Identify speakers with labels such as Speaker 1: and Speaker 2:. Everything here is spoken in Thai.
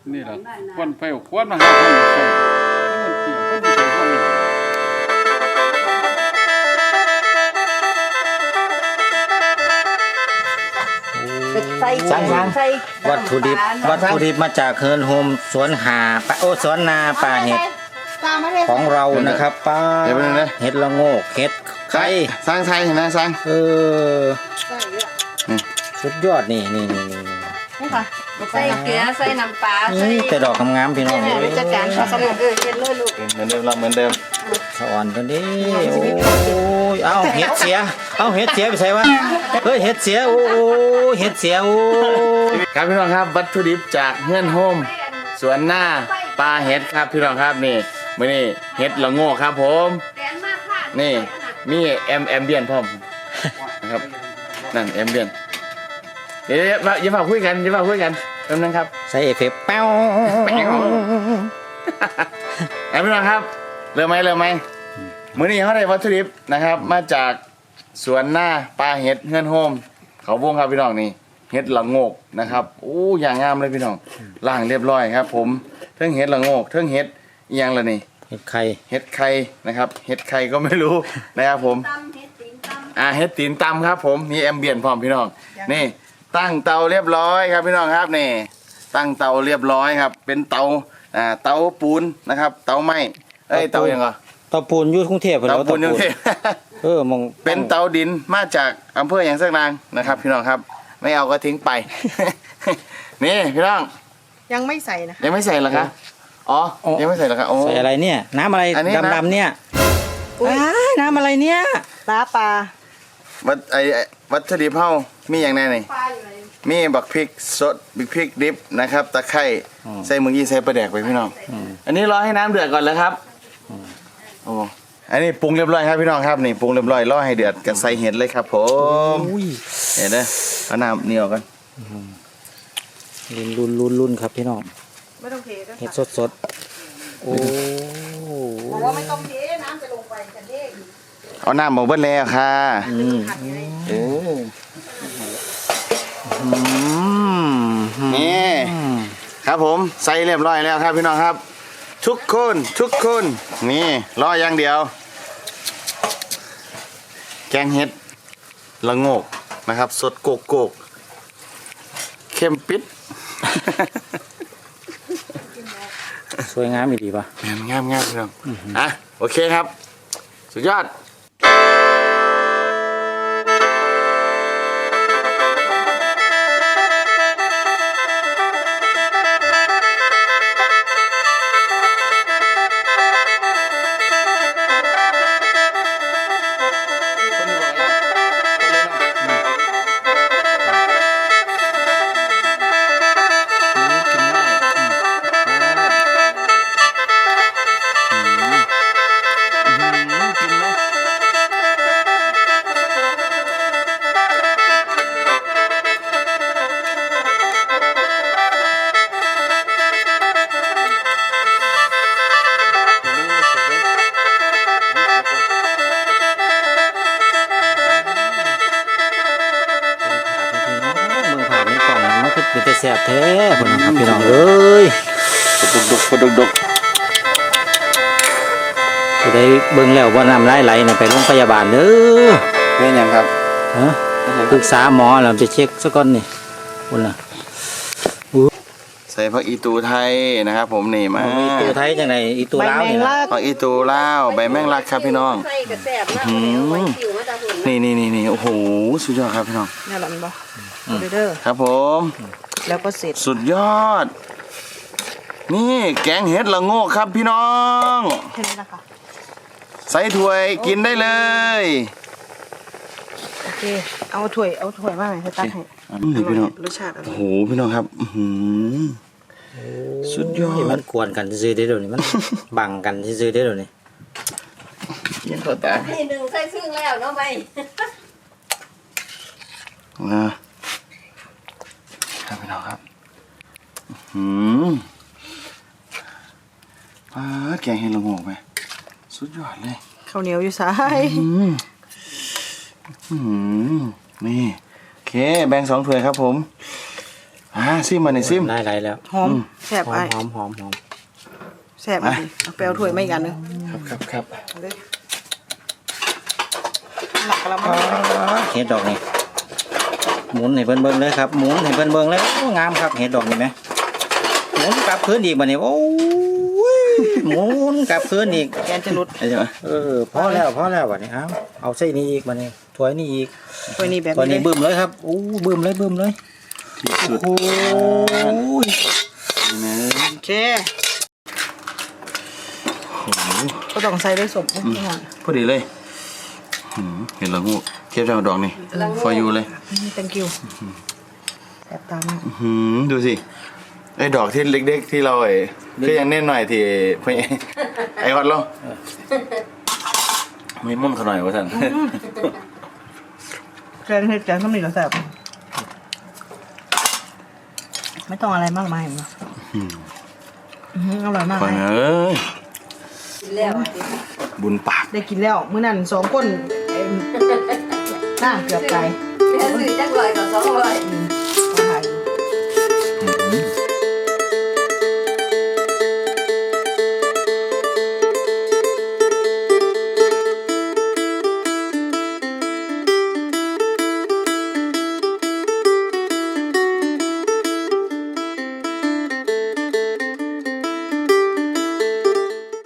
Speaker 1: นี่แหละควันไฟควันมาหาคนอยู่คนมันเกี่ยวคนที่ใส่คนนี้
Speaker 2: สั่งวัตถุดิบมาจากเฮิร์นโฮมสวนหาปะโอสวนนาป่าเห็ดของเรานะครับป้าเห็ดละโงกเห็ดไข่
Speaker 3: สร้างไทยเห็นไหมสร้าง
Speaker 2: สุดยอดนี่
Speaker 4: นี่ค่ะใส่เกลือใส่น้ำปลาใส่
Speaker 2: แต่ดอกงามๆพี่น้อง
Speaker 4: เลยจัดการผสมเห็ดเลยลูก
Speaker 3: เหมือนเดิมเราเหมือนเดิม
Speaker 2: สะอ่อนตัวนี้โอ้ยเอาเห็ดเสียไปใส่วะเฮ้ยเห็ดเสียโอ้เห็ดเสียโอ้
Speaker 3: ครับพี่น้องครับวัตถุดิบจากเฮือนโฮมสวนหน้าปลาเห็ดครับพี่น้องครับนี่มื้อนี้เห็ดละโง่ครับผมนี่มีแอมเบียนพร้อมนะครับนั่นแอมเบียนเดี๋ยวอย่าฝากคุยกันแป๊บนึงครับ
Speaker 2: ใส่เอฟเฟกต์แป้ว
Speaker 3: พี่น้องครับเริ่มไหมมื้อนี้เขาได้วัตถุดิบนะครับมาจากสวนหน้าปลาเห็ดเฮือนโฮมเขาวงครับพี่น้องนี่เห็ดละโงกนะครับโอ้อย่างงามเลยพี่น้องล้างเรียบร้อยครับผมเทิงเห็ดละโงกเทิงเห็ดอีหยังละนี่
Speaker 2: เห็ดไข่
Speaker 3: นะครับเห็ดไข่ก็ไม่รู้นะครับผมเห็ดตีนตำครับผมมีแอมเบียนพร้อมพี่น้องนี่ตั้งเตาเรียบร้อยครับพี่น้องครับนี่ตั้งเตาเรียบร้อยครับเป็นเตาปูนนะครับเตาไม้เตาอย่างไร
Speaker 2: เตาปูนอยู่กรุงเทพ
Speaker 3: เตาปูนอยู่กรุงเทพ
Speaker 2: มอง
Speaker 3: เป็นเตาดินมาจากอำเภออย่างสักนางนะครับพี่น้องครับไม่เอาก็ทิ้งไปนี่พี่น้อง
Speaker 4: ยังไม่ใส่นะ
Speaker 3: ยังไม่ใส่เหรอคะอ๋อยังไม่ใส่เหรอคะ
Speaker 2: ใส่อะไรเนี่ยน้ำอะไรดำๆเนี่ยน้ำอะไรเนี่ย
Speaker 4: ปลา
Speaker 3: วัตถุดิบเฮามีอย่างไรนี่มีบักพริกสดบักพริกดิบนะครับตะไคร้ใส่มือกี้ใส่ปลาแดกไปพี่น้องอันนี้รอให้น้ำเดือดก่อนแล้วครับโอ้อันนี้ปรุงเรียบร้อยครับพี่น้องครับนี่ปรุงเรียบร้อยรอให้เดือดกันใส่เห็ดเลยครับผมเห็นไหมเอาน้ำเหนียวกัน
Speaker 2: รุ่นครับพี่น้อง
Speaker 4: ไม่ต้องเท
Speaker 2: เห็ดสดโอ้
Speaker 4: บอกว่าไม่ต้องเทน้ำจะลงไปกันเอง
Speaker 3: เอาน้ำมาเบิ้ลแล้วค่ะนี่ครับผมใส่เรียบร้อยแล้วครับพี่น้องครับทุกคนนี่รออย่างเดียวแกงเห็ดละโงกนะครับสดโกกเข้มปิด
Speaker 2: สวยงามอีกดีป่ะ
Speaker 3: งามพี่น้องโอเคครับสุดยอด
Speaker 2: เป็นแต่แซ่บแท้พี่น้องครับพี่น้องเอ้ย
Speaker 3: ดุก
Speaker 2: ผู้ใดเบิ่งแล้วว่าน้ำไหลน่ะไปโรงพยาบาลเด้อ
Speaker 3: เป็นยังครับ
Speaker 2: ปรึกษาหมอแล้วไปเช็คซะก่อนนี่คุณน่ะ
Speaker 3: ใส่ผักอีตูไทยนะครับผมนี่มา
Speaker 2: อีตูไทยจังไดอีตูลาวนี่
Speaker 3: ผักอีตูลาวใบแมงลักครับพี่น้องนี่โอ้โหสุดยอดครับพี่น้อง
Speaker 4: นี่แหละมันบ่เด้อ
Speaker 3: ครับผม
Speaker 4: แล้วก็เสร็จ
Speaker 3: สุดยอดนี่แกงเห็ดละโงกครับพี่น้อง
Speaker 4: แค่นี้นะคะ
Speaker 3: ใส่ถ้วยกินได้เลย
Speaker 4: โอเคเอาถ้วยมาหน่อยให้ตักให้
Speaker 3: นี่พี่น้อง
Speaker 4: รสชาติ
Speaker 3: โอ้โหพี่น้องครับสุดยอด
Speaker 2: มันกวนกันซื้อได้เดี๋ยวนี้มันบังกันซื้อได้เดี๋ยวนี้
Speaker 3: ยังตัวตา
Speaker 4: ให้หนึ่งใส่ซึ่งแล้วเนาะไป
Speaker 3: ครับพี่น้องครับแกงเห็ดละโงกไปสุดยอดเลย
Speaker 4: ข้าวเหนียวอยู่ซ้าย
Speaker 3: นี่โอเคแบ่ง2 ถ้วยครับผมซิมมาในซิม
Speaker 2: ได้แล้ว
Speaker 4: หอมแซ่บ
Speaker 2: หอ
Speaker 4: ไอ้
Speaker 2: มหอมหอมหอม
Speaker 4: แซ่บอีกเอาไปเอาถ้วยมาอีกอันนึง
Speaker 3: ครับ
Speaker 4: เอาเลยหลักกระมัง
Speaker 2: เห็ดดอกนี่หมุนให้เพิ่นเบิ่งเลยครับหมุนให้เพิ่นเบิ่งเลยโอ้งามครับเห็ดดอกนี่ไหมหมุนกลับคืนอีกบัดนี้โอ้ยหมุนกลับคืนอีก
Speaker 4: แกนจะหลุด
Speaker 3: ใช่ไหม
Speaker 2: พอแล้วบัดนี้เอาใส่นี่อีกบัดนี้ถ้วยนี่อีก
Speaker 4: ถ้วยนี้แบบ
Speaker 2: ตัว
Speaker 4: นี้
Speaker 2: นี้บึ้มเลยครับโอ้บึ้มเลย
Speaker 3: ที่สุด
Speaker 2: โอ้ย
Speaker 3: นะ
Speaker 4: โอเคก็ต้องใส่ด้วยสมนิดหน่อย
Speaker 3: พอดีเลยเห็นแล้วงูเทียบจากดอกนี่ for you เลย
Speaker 4: thank you แซ่บตาม
Speaker 3: ดูสิไอ้ดอกที่เล็กๆที่เราก็ยังเน้นหน่อยที่พี่ไอ้ฮอตเราไม่มุ่นเขาหน่อยวะท่าน
Speaker 4: แกงเห็ดแกงข้าวเหนียวแซ่บไม่ต้องอะไรมากมายหรอกอร่อยมาก
Speaker 3: ไป
Speaker 4: เลย
Speaker 3: เอ้ย
Speaker 5: แล้ว
Speaker 3: บุญปาก
Speaker 4: ได้กินแล้วมื้อนั้น2 คนน่าเกือบตาย
Speaker 5: แม่ซื้อจักรอยกับ200